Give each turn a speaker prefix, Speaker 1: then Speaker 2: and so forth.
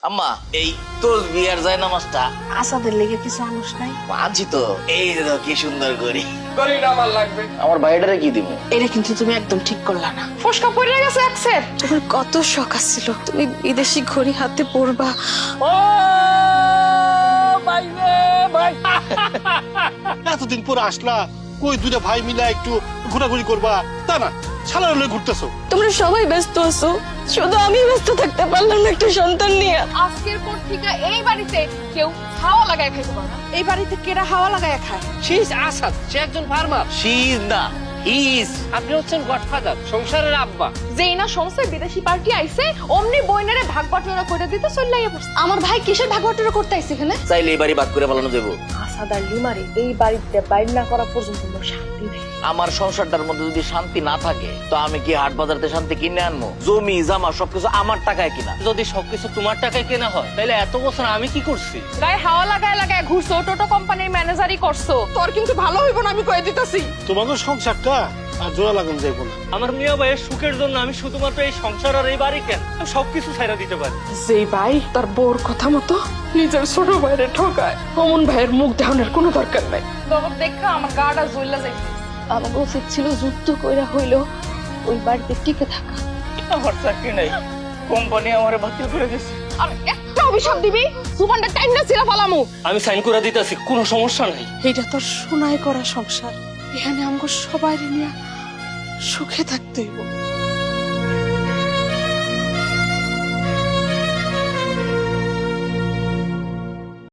Speaker 1: আম্মা এই তসবিহ আর জায়নামাজটা
Speaker 2: আসাদের লেগে কিছু আনুস নাই?
Speaker 1: আনছি তো। এই যে দেখো কি সুন্দর করি।
Speaker 3: গড়িটা আমার লাগবে।
Speaker 1: আমার বাইরেটারে কি দিব?
Speaker 2: এটা কিন্তু তুমি একদম ঠিক করলা না।
Speaker 3: ফসকা পড়ে গেছে একসের।
Speaker 2: তোমার কত শখ আছিল তুমি বিদেশি ঘড়ি হাতে পরবা।
Speaker 3: ও ভাই রে ভাই।
Speaker 4: এতদিন পর আসলা, কই দুইটা ভাই মিলা একটু ঘোরাঘুরি করবা, তা না শালার লয়ে ঘুরতেছো।
Speaker 2: তোমরা সবাই ব্যস্ত আছো, শুধু আমি ব্যস্ত থাকতে পারলাম না একটা সন্তান নিয়ে।
Speaker 5: আজকের পর থেকে এই বাড়িতে কেউ হাওয়া লাগায় খাইতে পারে না। এই বাড়িতে কেরা হাওয়া লাগায় খায়?
Speaker 3: শীষ আসাদ, সে একজন ফার্মার।
Speaker 1: শীত না, হিস।
Speaker 3: আপনি হচ্ছেন গডফাদার, সংসারের আব্বা।
Speaker 5: যেই না সংসার বিদেশি পার্টি আইছে অমনি বইনারে ভাগ বাটোয়ারা করে দিতে চল্লাইয়া পড়ছে। আমার ভাই কিসের ভাগ বাটোয়ারা করতে আইছে এখানে?
Speaker 1: চাইলে এই বাড়ি ভাগ করে পালানো দেবো।
Speaker 2: আসাদ আর লিমারে এই বাড়িতে বাইর না করা পর্যন্ত আমার শান্তি নেই।
Speaker 1: আমার সংসারটার মধ্যে যদি শান্তি না থাকে তো আমি কি হাট বাজারতে শান্তি কিনে আনবো? জমি জামা সবকিছু আমার টাকায় কিনা।
Speaker 3: যদি সবকিছু তোমার টাকায় কেনা হয় তাহলে এত বছর আমি কি করছি?
Speaker 5: গায়ে হাওয়া লাগায় লাগায় ঘুরছো, টোটো কোম্পানির ম্যানেজারই করছো। তোর কিন্তু ভালো হইব না, আমি কয়ে দিতেছি।
Speaker 4: তোমাকে সংসারটা আর জোড়া লাগানো যাইবো না।
Speaker 3: আমার মিয়া ভাইয়ের সুখের জন্য আমি শুধুমাত্র এই সংসার আর এই বাড়ি কেন, আমি সবকিছু ছাইড়া দিতে পারি।
Speaker 2: যেই ভাই তার বউর কথা মতো নিজের ছোট ভাইরে ঠকায়, অমন ভাইয়ের মুখ দেখানোর কোনো দরকার নাই।
Speaker 5: তোর দেখা আমার গাটা জ্বললা যাইছে।
Speaker 2: আমাকে উচিত ছিল যুদ্ধ কইরা হইলো ওই বাড়িতে টিকে থাকা।
Speaker 3: আমার চাকরি নাই, কোম্পানি আমারে বাতিল করে দিয়েছে।
Speaker 5: আর একটা অভিশাপ দিবি সুপারটা টাইম না ছিলা ফালামু।
Speaker 3: আমি সাইন করে দিতেছি, কোনো সমস্যা নাই।
Speaker 2: এইটা তোর সোনায় করা সংসার, এখানে আমাকে সবাই নিয়ে সুখে থাকতে হইব।